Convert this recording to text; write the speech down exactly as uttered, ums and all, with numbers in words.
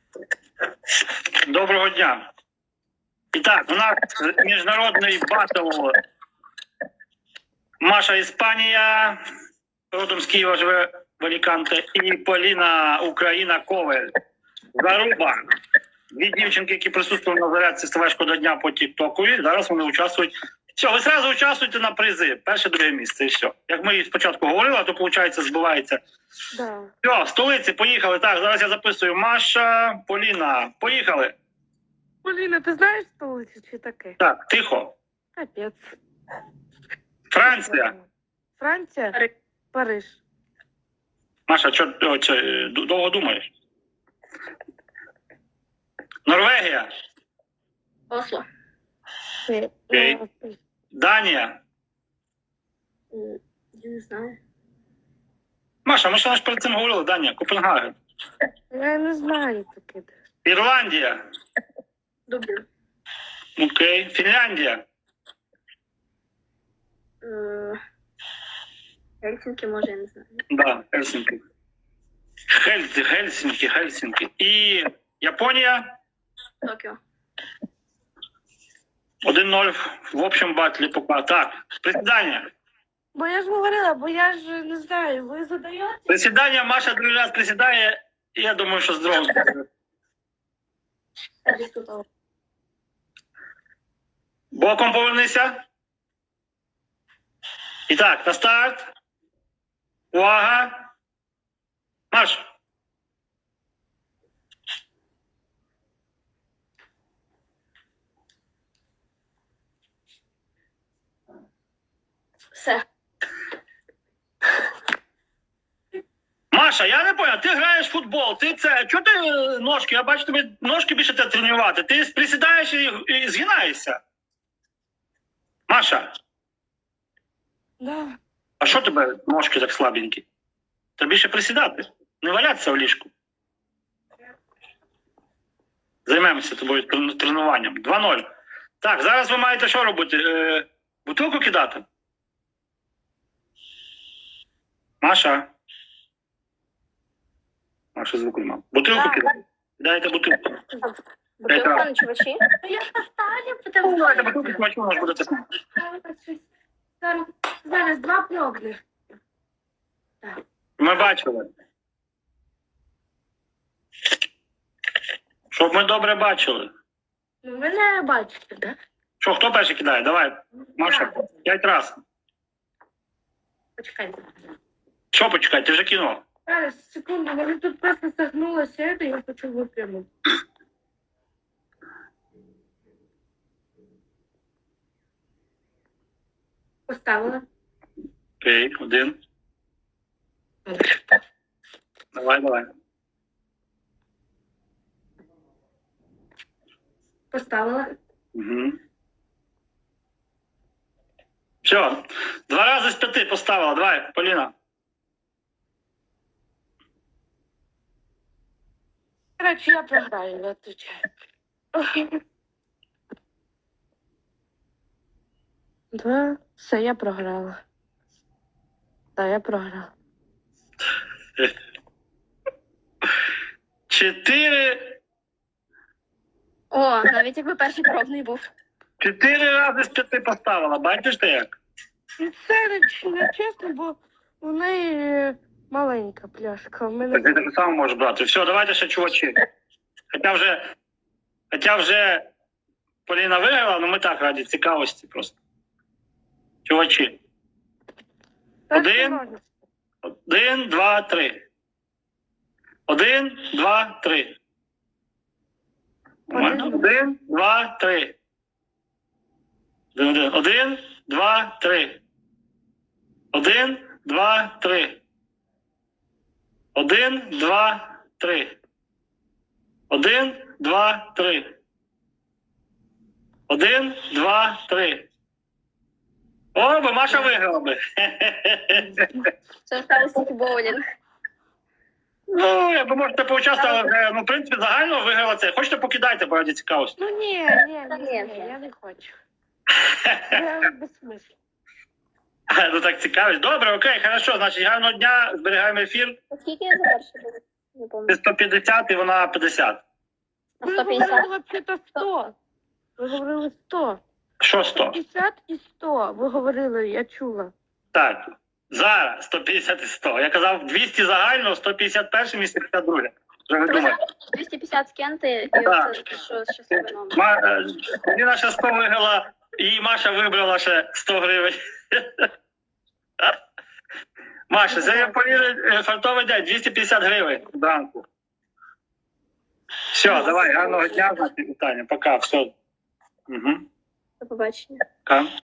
Доброго дня. І так, у нас міжнародний батл. Маша Іспанія, родом з Києва живе в Аліканте, і Поліна Україна Ковель. Заруба. Дві дівчинки, які присутствували на зарядці «Ставешко до дня» по тік-току, зараз вони участвують. Все, ви одразу участвуєте на призи. Перше, друге місце і все. Як ми спочатку говорили, а то, виходить, збивається. Да. Все, столиці, поїхали. Так, зараз я записую. Маша, Поліна, поїхали. Поліна, ти знаєш столицю чи таке? Так, тихо. Капець. Франція. Франція? Париж. Париж. Маша, що довго думаєш? Норвегія. Осло. Окей. Данія. М, Я не знаю. Маша, ми ще ж перед цим говорили. Данія, Копенгаген. Я не знаю таке. Ірландія. Дублін. Окей. Фінляндія. Е, Гельсінки, може, я не знаю. Да, Хельсінки. Хель, Гельсінки, Гельсінки. І Японія. Токіо. один-ноль в общем батлі пока. Так, присідання. Бо я ж говорила, бо я ж не знаю, ви задаєте? Присідання, Маша другий раз присідає, і я думаю, що здорово. Аристотель. Боком повернися. І так, на старт. Увага. Марш. Все. Маша, я не понял, ти граєш в футбол, ти це, чого ти е, ножки, я бачу тобі ножки більше треба тренувати, ти присідаєш і, і згинаєшся. Маша, Да. а що тебе ножки так слабенькі? Треба більше присідати, не валятися в ліжку. Займемося тобою трен- тренуванням. два-ноль. Так, зараз ви маєте що робити? Е, бутилку кидати? Маша. Маша звуку нема. Бутилку Так. кидати. Кидаєте бутилку. Бутилка на чувачі. Я поставлю, Ну, давайте бутилку, смачно, може буде це. Зараз, зараз два пробних. Ми бачили. Щоб ми добре бачили. Ну, ви не бачите, так? Що, хто перший кидає? Давай, Маша, п'ять раз. Почекайте. Що почекай, ти вже кинув. Зараз, секунду, мене тут просто согнулося, і я хочу випрямити. Поставила. Окей, один. Давай, давай. Поставила. Угу. Все, два рази з п'яти поставила. Давай, Поліна. Короче, я програю, я отвечаю. Два. Все, я програла. Так, я програла. Чотири. О, навіть якби перший пробний був. Чотири рази з п'яти поставила. Бачиш ти як? І це не, не чесно, бо у неї е, маленька пляшка. У мене... Так ти так само можеш брати. Все, давайте ще чувачі. Хоча вже, хоча вже Поліна виграла, але ми так раді цікавості просто. Чувачі. Так, Один. можна. Один, два, три. Один, два, три. Нормально? Один. Один, два, три. Один, один. Один, два, три. Один, два, три. Один, два, три. Один, два, три. Один, два, три. О, би Маша виграла би. Це сталося тільки боулінг. Ну, якби можете поучаствувати, але, ну, в принципі, загально виграла це. Хочете, покидайте, бо раді цікавості. Ну ні, ні, Та ні, ні. ні, я не хочу. Я без смислу. Ну так цікавість. Добре, окей, хорошо. Значить, гарного дня, зберігаємо ефір. Скільки я за перший був? Не Ти пам'ятаю. сто п'ятдесят і вона п'ятдесят. На Ви сто п'ятдесят? говорили взагалі сто. Ви говорили сто. Що сто? п'ятдесят і сто. Ви говорили, я чула. Так. Зараз сто п'ятдесят і сто. Я казав двісті загально, сто п'ятдесят перше місце, п'ятдесят друге. Вже ви думаєте. двісті п'ятдесят скиньте, і Так. оце, що щасливий номер. Ма... е, Поліна ще сто виграла, і Маша вибрала ще сто гривень. Маша, це Поліна фартовий день, двісті п'ятдесят гривень зранку. Все, давай, гарного дня, Таня, пока, все. Угу. До побачення. Пока.